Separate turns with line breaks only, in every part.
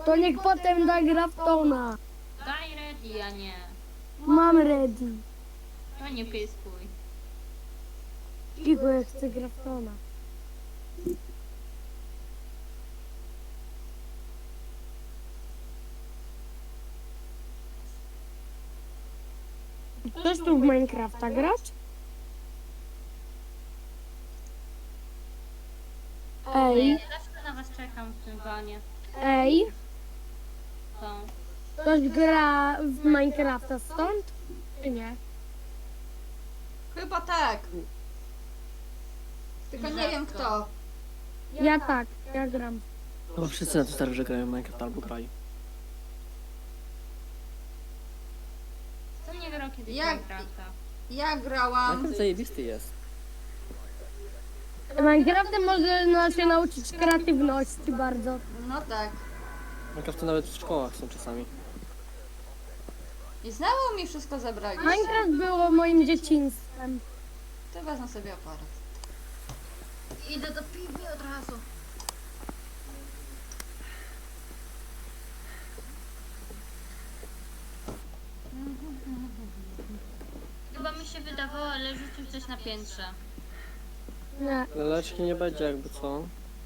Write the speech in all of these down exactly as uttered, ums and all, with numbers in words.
To niech potem da Graftona.
Daj ready, a nie.
Mam ready.
To nie pyskuj.
Cicho, ja chcę Graftona. Chcesz tu w Minecrafta grać? Ej,
Ja zawsze na was czekam w tym wanie.
ej,
To.
ktoś gra w Minecrafta stąd? Czy nie?
Chyba tak. Tylko nie wiem kto.
Ja tak, ja gram.
Bo wszyscy na to stary, że grają w Minecraft albo grali.
Co nie grał kiedyś
Jak-
Minecrafta?
Ja grałam.
Minecraft zajebisty jest.
Minecraftem można się nauczyć kreatywności bardzo.
No tak.
Minecraft to nawet w szkołach są czasami.
I znowu mi wszystko zabraliście.
Minecraft było moim dzieciństwem.
To wezmę sobie aparat. Idę do piwni od razu.
Chyba mi się wydawało, ale rzucił coś na piętrze.
Nie,
Leczki nie będzie jakby co.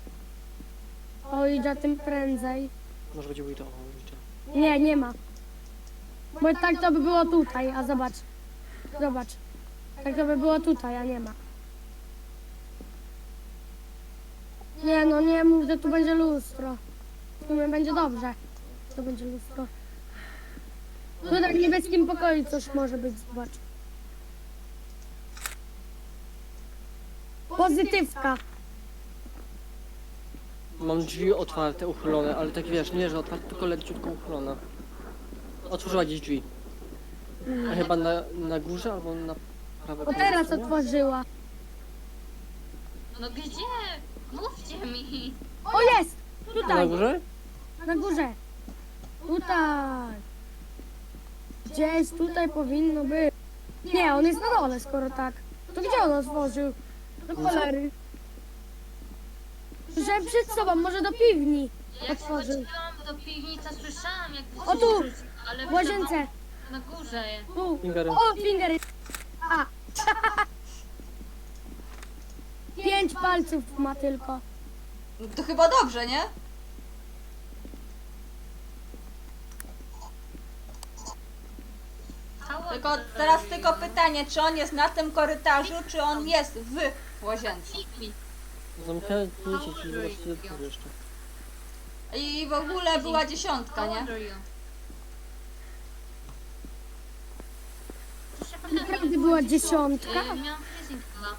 o idzie tym prędzej.
Może będzie Wito.
Nie, nie ma. Bo tak to by było tutaj, a zobacz. Zobacz. Tak to by było tutaj, a nie ma. Nie no, nie mów, że tu będzie lustro. W sumie będzie dobrze. To będzie lustro. Tutaj w niebieskim pokoju coś może być, zobacz. Pozytywka.
Mam drzwi otwarte, uchylone, ale tak wiesz, nie że otwarte, tylko leciutko uchylone. Otworzyła gdzieś drzwi. A chyba na, na górze albo na prawej
O teraz
stronie?
otworzyła.
No gdzie? Mówcie mi.
O jest!
Na
Tutaj,
górze?
na górze. Tutaj. Gdzieś tutaj powinno być. Nie, on jest na dole, skoro tak. To gdzie on otworzył? Do cholery. Że przed sobą, może do piwni
Jak
otworzył.
wchodziłam do piwnicy, słyszałam jak
O tu,
ale
w łazience.
na górze.
Tu.
Fingery.
O, fingery. A. Pięć palców ma tylko.
No to chyba dobrze, nie? Tylko teraz tylko pytanie, czy on jest na tym korytarzu, czy on jest w łazience.
Zamknąłem zdjęcie, czyli zobaczcie to jeszcze.
I w ogóle była dziesiątka, nie?
Naprawdę była dziesiątka.
Miałam freezing chyba.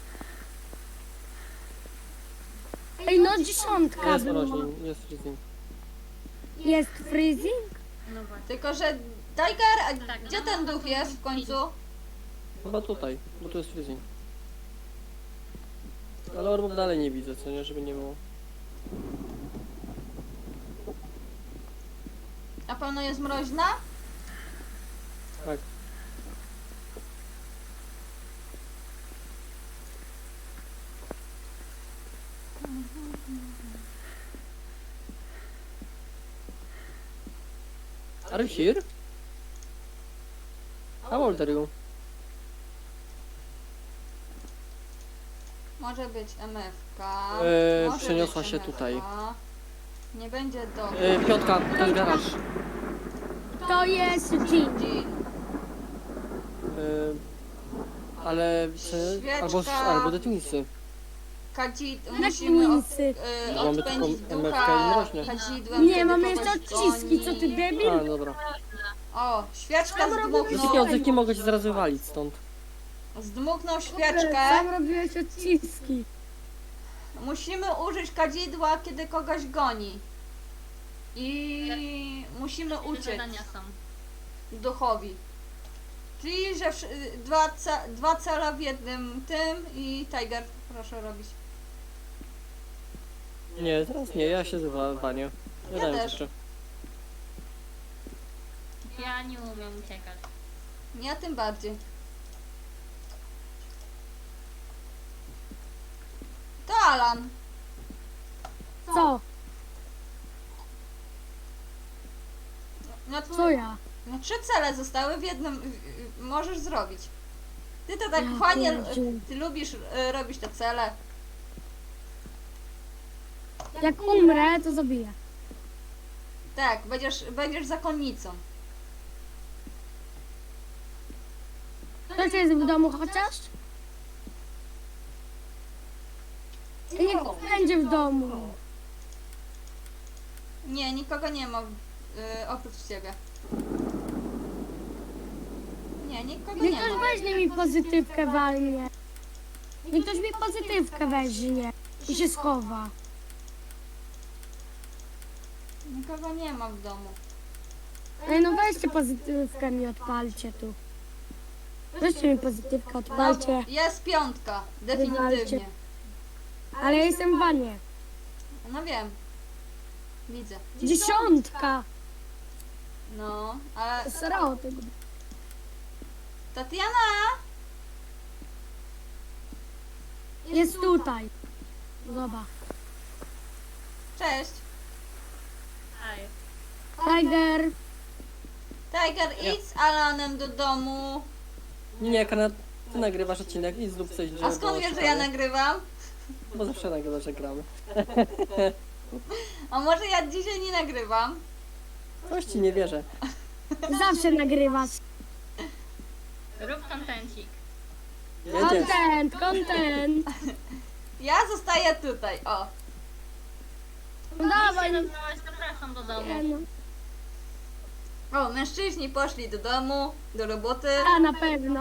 Ej, no dziesiątka
Jest
była.
mroźniej, jest freezing.
Jest freezing?
No właśnie.
Tylko, że Tiger, a
Tak,
gdzie
no,
ten
no,
duch
to
jest
jest
w końcu?
Chyba tutaj, bo tu jest freezing. Ale orbów dalej nie widzę, co nie, żeby nie było.
Na pewno jest mroźna?
Tak. Are you here? How old are you?
Może być M F K.
Eee,
może
przeniosła
być
się
M F K.
tutaj.
Nie będzie do.
Yy, piątka, to jest garaż.
To jest Jean.
Jean.
Yy, ale... Czy, albo,
Świeczka.
albo detwinsy.
Kadzi...
Jak
Musimy od,
mińcy.
y,
Mamy
odpędzić
tylko M F K
ducha
i mroźnie.
kadzidłem.
Nie,
kiedy
mamy
kogoś
jeszcze odciski, co ty
goni.
debil?
A, dobra.
O, świeczka
Tam robimy
Za takie
zdmuchnął.
odzywki mogę cię zaraz wywalić stąd.
Zdmuchnął
Sam
świeczkę.
robiłeś odciski.
Musimy użyć kadzidła, kiedy kogoś goni. I musimy
Jakie
uciec
zadania są?
duchowi. Czyli, że wsz- dwa, ce dwa cele w jednym tym i Tiger, proszę robić.
Nie, teraz nie, ja się zwalnię. Ja
Ja
dałem
też.
jeszcze.
Ja nie umiem uciekać.
Ja tym bardziej. To Alan.
Co?
No, to,
Co ja?
no trzy cele zostały w jednym. w- w- Możesz zrobić. Ty to tak
Ja
fajnie.
pierdziu.
Ty lubisz y, robić te cele.
Jak umrę, to zabiję.
Tak, będziesz, będziesz zakonnicą.
Ktoś jest w domu chociaż? I niech będzie w domu.
Nie, nikogo nie ma y, oprócz ciebie. Nie, nikogo
Niech
nie
ktoś
ma.
weźmie mi pozytywkę walnie. Niech ktoś mi pozytywkę weźmie i się schowa.
Nikogo nie ma w domu.
Ej, no weźcie pozytywkę mi odpalcie tu. Weźcie mi pozytywkę, odpalcie.
Jest piątka, definitywnie.
Ale ja jestem w wanie.
No wiem. Widzę.
Dziesiątka.
No, ale
Srało tego.
Tatiana!
Jest tutaj. Zobacz.
Cześć.
Aj.
Tiger.
Tiger, idź z Alanem do domu.
Nie, Kana, ty nagrywasz odcinek i zrób coś, żeby
A skąd
było
wiesz, że
ciekawe.
ja nagrywam?
Bo zawsze nagrywasz, że gramy.
A może ja dzisiaj nie nagrywam?
Coś ci nie wierzę.
Zawsze nagrywasz.
Rób kontencik.
Jedziesz.
Content, content.
Ja zostaję tutaj, o.
No dawaj.
Jeśli nagrałaś, zapraszam do domu.
Nie, no.
O, mężczyźni poszli do domu, do roboty.
A na pewno.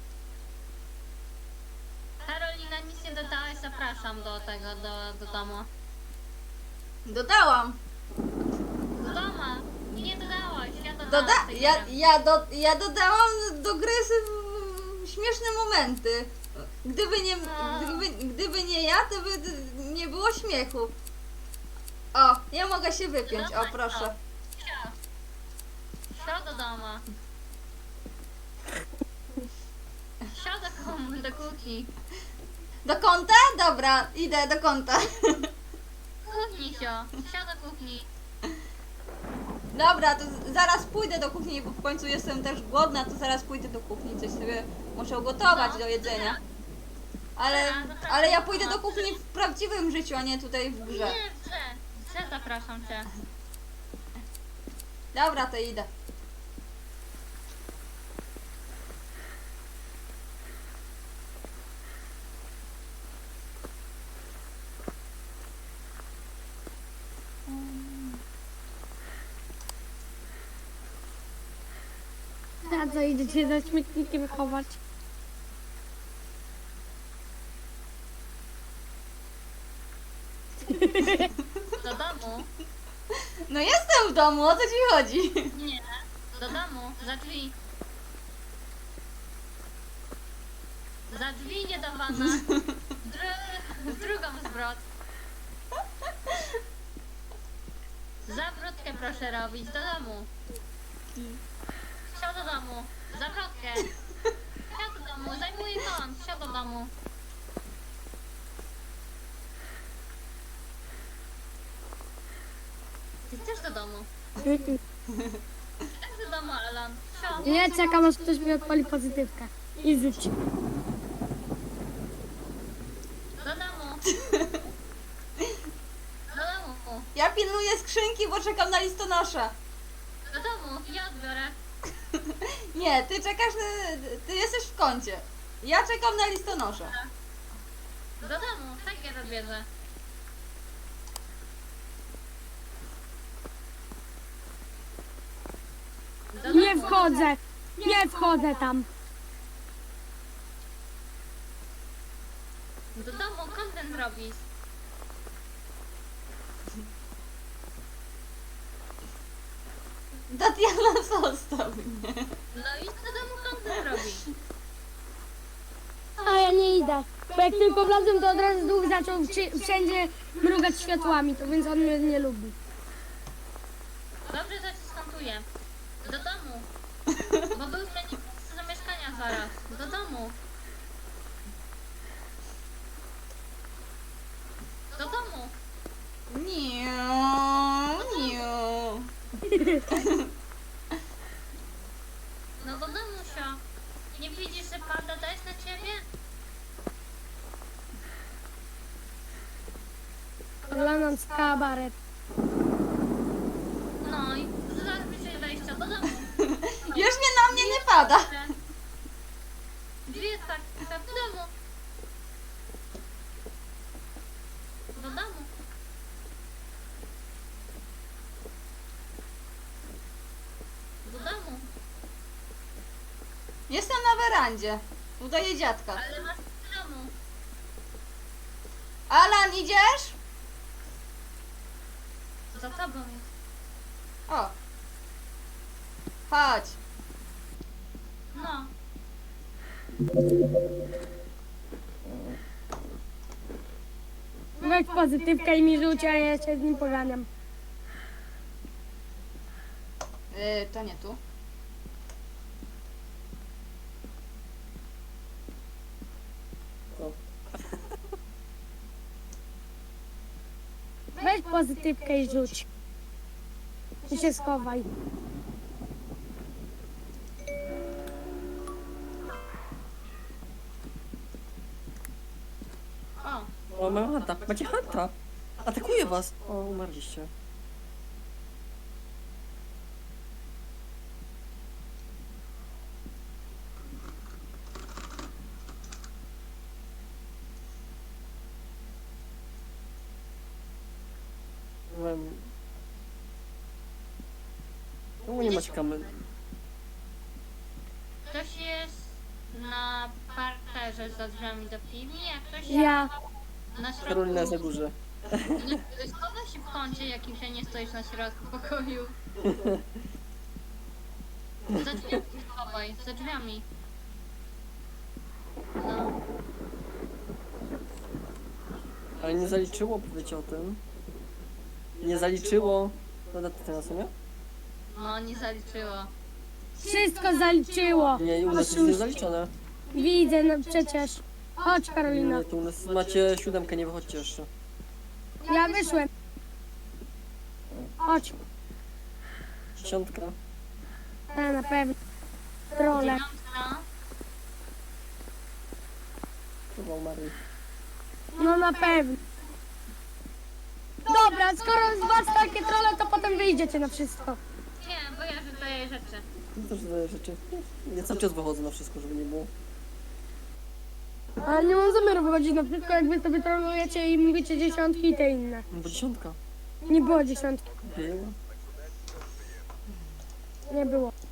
Karolina, nic nie dodałaś, zapraszam do tego, do, do domu.
Dodałam.
Do domu! Nie dodałaś, ja dodałam.
Doda
sobie
ja,
grę.
ja, do ja dodałam do gry s- śmieszne momenty. Gdyby nie, gdyby, gdyby nie ja, to by d- nie było śmiechu. O, ja mogę się wypiąć, o proszę.
Sio. Sio do domu. Sio do, kom- do kuchni.
Do kąta? Dobra, idę do kąta.
Kuchni, Sio. Sio do kuchni.
Dobra, to z- zaraz pójdę do kuchni, bo w końcu jestem też głodna, to zaraz pójdę do kuchni, coś sobie muszę ugotować do jedzenia. Ale, ale ja pójdę do kuchni w prawdziwym życiu, a nie tutaj w grze.
Nie, w grze. W grze zapraszam cię.
Dobra, to idę.
A co, idziecie za śmietnikiem chować?
Do domu?
No jestem w domu, o co ci chodzi?
Nie. Do domu. Za drzwi. Za drzwi nie do wana. Dru drugą zwrot. Zawrotkę proszę robić. Do domu. Siad do domu. Zawrotkę. Siad do domu. Zajmuję kąt. Siad do domu. Ty też do domu. Też do domu, Alan. Siad.
Nie, czekam aż ktoś mi odpali pozytywkę. I zyć.
Do domu. Do domu.
Ja pilnuję skrzynki, bo czekam na listonosza.
Do domu. Ja odbiorę.
Nie, ty czekasz, na, ty jesteś w kącie. Ja czekam na listonosza.
Do domu. Tak ja odbierze. Do
Nie
domu.
wchodzę. Nie wchodzę tam.
Do domu content robisz.
Tatiana, zostaw mnie.
No i do domu content robisz.
A ja nie idę. Bo jak tylko wlazłem, to od razu duch zaczął wszy- wszędzie mrugać światłami, to więc on mnie nie lubi.
Dobrze, że ci skontuję. Do domu. Bo był zmienił miejsce zamieszkania zaraz. Do domu. Do domu.
Nie, nie.
kabaret.
No i zaraz bliżej wejścia do domu.
Już nie na mnie nie pada.
Drzwi jest tak, tak do domu. Do domu. Do domu.
Jestem na werandzie. Udaję dziadka.
Ale masz do domu.
Alan, idziesz?
Za tobą jest.
O. Chodź.
No.
Weź pozytywkę i mi rzuć, a ja się z nim pogadam.
Yy, to nie tu.
To.
Weź pozytywkę i rzuć. I się schowaj.
O.
O, mam hanta. Macie hanta. Atakuje was. O, umarliście. Byłem... Czemu nie macie kamer?
Ktoś jest na parterze za drzwiami do piwni, a ktoś
Ja.
na środku.
Karolina jest na górze.
Schowaj się w kącie, jakim się nie stoisz na środku pokoju. Za drzwiami się schowaj, za drzwiami. No.
Ale nie zaliczyło, powiecie o tym. Nie zaliczyło. Prawda, ty teraz, nie?
No, nie zaliczyło.
Wszystko zaliczyło.
Nie, u nas jest
Oszuści.
niezaliczone.
Widzę, no przecież. Chodź, Karolina.
Nie, to u nas macie siódemkę, nie wychodźcie jeszcze.
Ja wyszłem. Chodź.
Dziesiątka.
Ja na pewno. Trole.
Dziewiątka.
Chyba umarli.
No na pewno. Dobra, skoro z was takie trole, to potem wyjdziecie na wszystko.
Nie, bo ja wydaję rzeczy.
To też zadaję rzeczy. Ja cały czas wychodzę na wszystko, żeby nie było.
Ale nie mam zamiaru wychodzić na wszystko, jak wy sobie trolujecie i mówicie dziesiątki i te inne.
No bo dziesiątka.
Nie było dziesiątki.
Było.
Nie było.